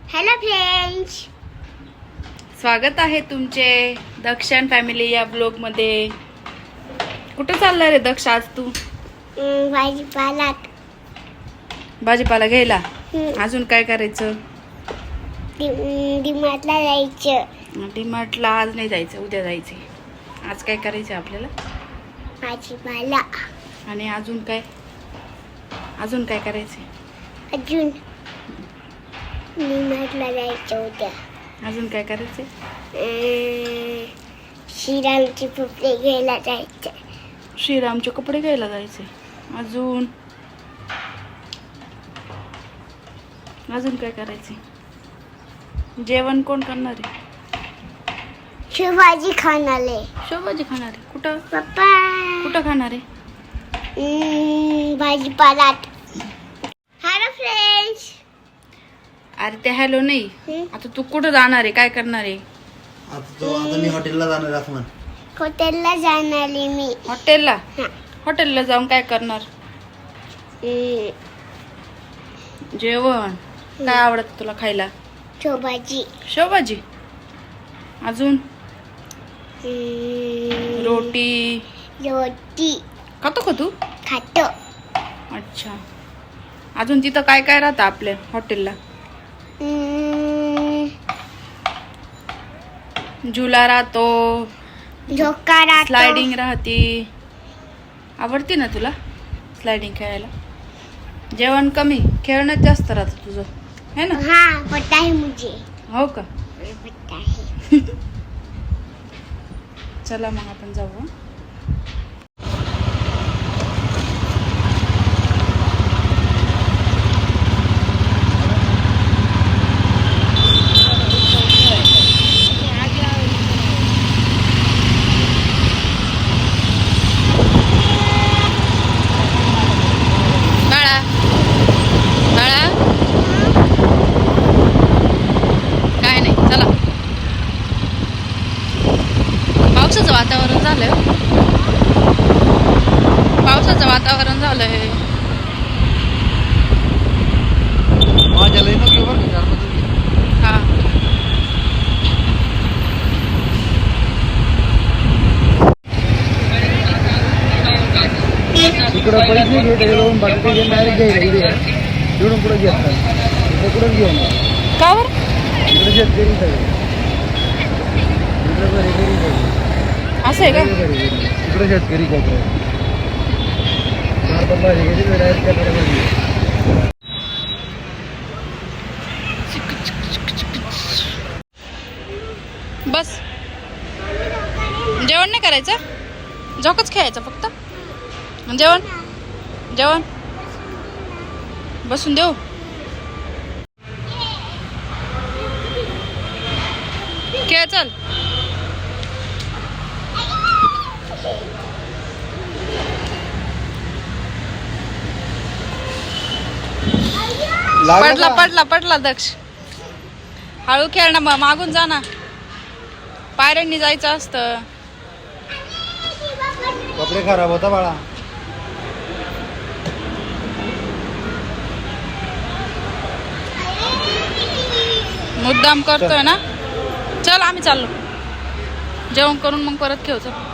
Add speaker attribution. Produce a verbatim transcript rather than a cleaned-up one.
Speaker 1: Hello friends,
Speaker 2: स्वागत आहे तुमचे दक्षण फॅमिली या ब्लॉग मध्ये. कुठे चालला रे दक्ष आज तू?
Speaker 1: भाजीपालात
Speaker 2: भाजीपाला घ्यायला. अजून काय करायचं?
Speaker 1: डीमार्टला जायचं.
Speaker 2: डीमार्टला आज नाही जायचं, उद्या जायचे. आज काय करायचं आपल्याला?
Speaker 1: भाजीपाला.
Speaker 2: आणि अजून काय अजून काय करायचं?
Speaker 1: अजून डीमार्टला जायचं उद्या.
Speaker 2: अजून काय करायचं?
Speaker 1: श्रीरामचे कपडे घ्यायला जायचं.
Speaker 2: श्रीरामचे कपडे घ्यायला जायचे. अजून अजून काय करायचे? जेवण कोण करणार आहे?
Speaker 1: शिवाजी खानाले.
Speaker 2: शेवभाजी खाणार आहे. कुठं
Speaker 1: पप्पा?
Speaker 2: कुठं खाणार आहे?
Speaker 1: भाजीपालात. Hello friends.
Speaker 2: अरे ते हॅलो नाही, आता तू कुठं जाणार आहे? काय करणार आहे?
Speaker 3: आता तो आता मी हॉटेलला जाणार आहे असं म्हण.
Speaker 1: हॉटेलला जाणार आहे मी.
Speaker 2: हॉटेलला? हॉटेलला जाऊन काय करणार? जेवण काय आवडत तुला खायला?
Speaker 1: शेवभाजी.
Speaker 2: शेवभाजी. अजून रोटी
Speaker 1: रोटी
Speaker 2: खातो का तू?
Speaker 1: खातो.
Speaker 2: अच्छा. अजून तिथं काय काय राहतं आपल्या हॉटेलला? झुला राहतो,
Speaker 1: झोका राहतो.
Speaker 2: स्लायडिंग राहते. आवडते ना तुला स्लायडिंग खेळायला? जेवण कमी, खेळणं जास्त राहतं तुझं, है ना?
Speaker 1: हाँ, पता है मुझे.
Speaker 2: हो का?
Speaker 1: पता है.
Speaker 2: चला मग आपण जाऊ. हं? बाळा बाळा काय नाही, चला. पावसाचं वातावरण झालंय. पावसाचं वातावरण झालंय.
Speaker 3: माझ्या लई नको बरं का तुम्ही.
Speaker 2: हा.
Speaker 3: इकडं पैसे घेत जाऊन बाकी घेऊन डायरेक्ट घ्यायला इकडे इकडून पुढे घेत इकडे कुठं घेऊन
Speaker 2: का बरं?
Speaker 3: इकडे शेतकरी सगळे इकडे घरी घरी घरी
Speaker 2: असं आहे का?
Speaker 3: इकडे शेतकरी कोपरे चार पण भाजी घेतली डायरेक्ट त्याकडे भाजी.
Speaker 2: बस. जेवण नाही करायचं? झोकच खेळायचं फक्त. जेवण जेवण बसून देऊ. खेळ चल. पडला पडला पडला दक्ष. हळू खेळ ना, मग मागून जा ना. पायऱ्यांनी जायचं असतं.
Speaker 3: कपडे खराब होता बाळा.
Speaker 2: मुद्दाम करतोय ना. चल आम्ही चाललो. जेवण करून मग परत खेळू. चल.